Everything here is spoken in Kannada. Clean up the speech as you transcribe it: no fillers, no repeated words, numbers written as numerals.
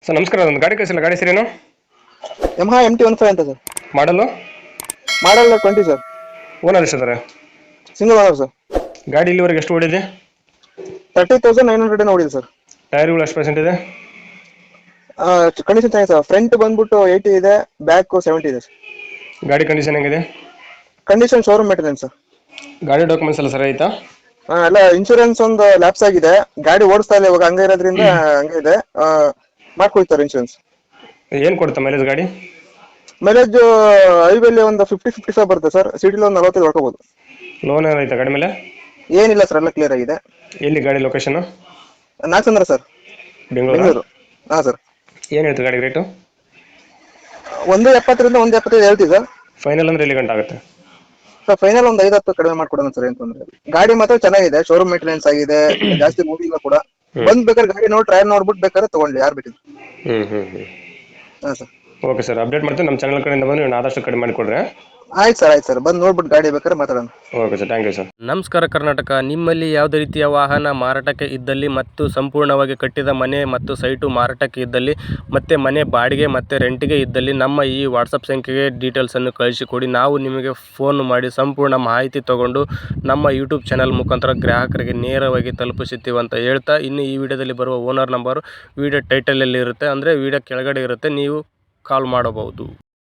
ಸರ್ ನಮಸ್ಕಾರ, ಒಂದು ಗಾಡಿ ಕಳಿಸಿಲ್ಲ. ಗಾಡಿ ಹೆಸರೇನು? ಯಮಹಾ MT-15 ಅಂತ ಸರ್. Model model 20 sir. ಓನರ್ ಎಷ್ಟಿದ್ದಾರೆ? Single owner sir. ಗಾಡಿ ಇಲ್ಲಿವರೆಗೆ ಎಷ್ಟು ಓಡಿದೆ? 30,900 ಓಡಿದೆ ಸರ್. ಟೈರ್ಗಳು ಎಷ್ಟು ಪರ್ಸೆಂಟ್ ಇದೆ? ಕಂಡೀಷನ್ ಚೆನ್ನಾಗಿದೆ ಸರ್. ಫ್ರಂಟ್ ಬಂದ್ಬಿಟ್ಟು 80 ಇದೆ, ಬ್ಯಾಕ್ 70 ಇದೆ ಸರ್. ಗಾಡಿ ಕಂಡೀಷನ್ ಹೆಂಗಿದೆ? Condition showroom maintenance sir. ಗಾಡಿ ಡಾಕ್ಯುಮೆಂಟ್ಸ್ ಎಲ್ಲ ಸರಿ ಆಯ್ತಾ? ಎಲ್ಲ ಇನ್ಶೂರೆನ್ಸ್ ಒಂದು ಲ್ಯಾಪ್ಸ್ ಆಗಿದೆ. ಗಾಡಿ ಓಡಿಸ್ತಾ ಇಲ್ಲ ಇವಾಗ, ಹಂಗೆ ಇರೋದ್ರಿಂದ ಹಂಗೆ ಇದೆ. ಮಾಡ್ಕೊಳ್ತಾರೆ ಇನ್ಶೂರೆನ್ಸ್. ಏನು ಕೊಡುತ್ತೆ ಮೈಲೇಜ್ ಗಾಡಿ? ಮೈಲೇಜ್ ಹೈವೇಲಿ ಒಂದು 50-55 ಬರುತ್ತೆ ಸರ್. ಸಿಟಿಲಿ ಒಂದು 45 ಹೊಡ್ಕೋಬಹುದು. ಲೋನ್ ಏನಾಯ್ತಾ ಗಾಡಿ ಮೇಲೆ? ಏನಿಲ್ಲ ಸರ್, ಎಲ್ಲ ಕ್ಲಿಯರ್ ಆಗಿದೆ. ಎಲ್ಲಿ ಗಾಡಿ ಲೊಕೇಶನ್? ನಾಗಚಂದ್ರ ಸರ್, ಬೆಂಗಳೂರು. ಬೆಂಗಳೂರು. ಹಾಂ ಸರ್. ಏನು ಹೇಳ್ತೀವಿ ಗಾಡಿ ರೇಟು? 170ರಿಂದ 175 ಹೇಳ್ತೀವಿ ಸರ್. ಫೈನಲ್ ಅಂದ್ರೆ ಎಲ್ಲಿ ಗಂಟೆ ಆಗುತ್ತೆ? ಸರ್ ಫೈನಲ್ ಒಂದು 5-10 ಕಡಿಮೆ ಮಾಡ್ಕೊಡೋಣ ಸರ್, ಏನು ತೊಂದರೆ ಇಲ್ಲ. ಗಾಡಿ ಮಾತ್ರ ಚೆನ್ನಾಗಿದೆ, ಶೋರೂಮ್ ಮೇಂಟೆನೆನ್ಸ್ ಆಗಿದೆ, ಜಾಸ್ತಿ ಮೂವಿಲ್ಲ ಕೂಡ. ಬಂದ್ ಬೇಕಾದ್ರೆ ಗಾಡಿ ನೋಡಿ ಟ್ರಯಲ್ ನೋಡ್ಬಿಟ್ಟು ಬೇಕಾದ್ರೆ ತಗೊಳ್ಳಿ, ಯಾರು ಬೇಕಿದ್ರು. ಹಾಂ ಸರ್. ಓಕೆ ಸರ್, ಅಪ್ಡೇಟ್ ಮಾಡ್ತೀನಿ. ನಮ್ಮ ಚಾನಲ್ ಕಡೆಯಿಂದ ಬಂದು ನೀವು ಆದಷ್ಟು ಕಡಿಮೆ ಮಾಡಿಕೊಡ್ರಿ. ಆಯ್ತು ಸರ್, ಬಂದು ನೋಡ್ಬಿಟ್ಟು ಗಾಡಿ ಬೇಕಾದ್ರೆ ಮಾತಾಡೋಣ. Okay sir, thank you sir. ನಮಸ್ಕಾರ ಕರ್ನಾಟಕ. ನಿಮ್ಮಲ್ಲಿ ಯಾವುದೇ ರೀತಿಯ ವಾಹನ ಮಾರಾಟಕ್ಕೆ ಇದ್ದಲ್ಲಿ ಮತ್ತು ಸಂಪೂರ್ಣವಾಗಿ ಕಟ್ಟಿದ ಮನೆ ಮತ್ತು ಸೈಟು ಮಾರಾಟಕ್ಕೆ ಇದ್ದಲ್ಲಿ ಮತ್ತು ಮನೆ ಬಾಡಿಗೆ ಮತ್ತು ರೆಂಟಿಗೆ ಇದ್ದಲ್ಲಿ ನಮ್ಮ ಈ ವಾಟ್ಸಪ್ ಸಂಖ್ಯೆಗೆ ಡೀಟೇಲ್ಸನ್ನು ಕಳಿಸಿಕೊಡಿ. ನಾವು ನಿಮಗೆ ಫೋನ್ ಮಾಡಿ ಸಂಪೂರ್ಣ ಮಾಹಿತಿ ತಗೊಂಡು ನಮ್ಮ ಯೂಟ್ಯೂಬ್ ಚಾನಲ್ ಮುಖಾಂತರ ಗ್ರಾಹಕರಿಗೆ ನೇರವಾಗಿ ತಲುಪಿಸುತ್ತೀವಿ ಅಂತ ಹೇಳ್ತಾ, ಇನ್ನು ಈ ವಿಡಿಯೋದಲ್ಲಿ ಬರುವ ಓನರ್ ನಂಬರು ವಿಡಿಯೋ ಟೈಟಲಲ್ಲಿ ಇರುತ್ತೆ, ಅಂದರೆ ವಿಡಿಯೋ ಕೆಳಗಡೆ ಇರುತ್ತೆ, ನೀವು ಕಾಲ್ ಮಾಡಬಹುದು.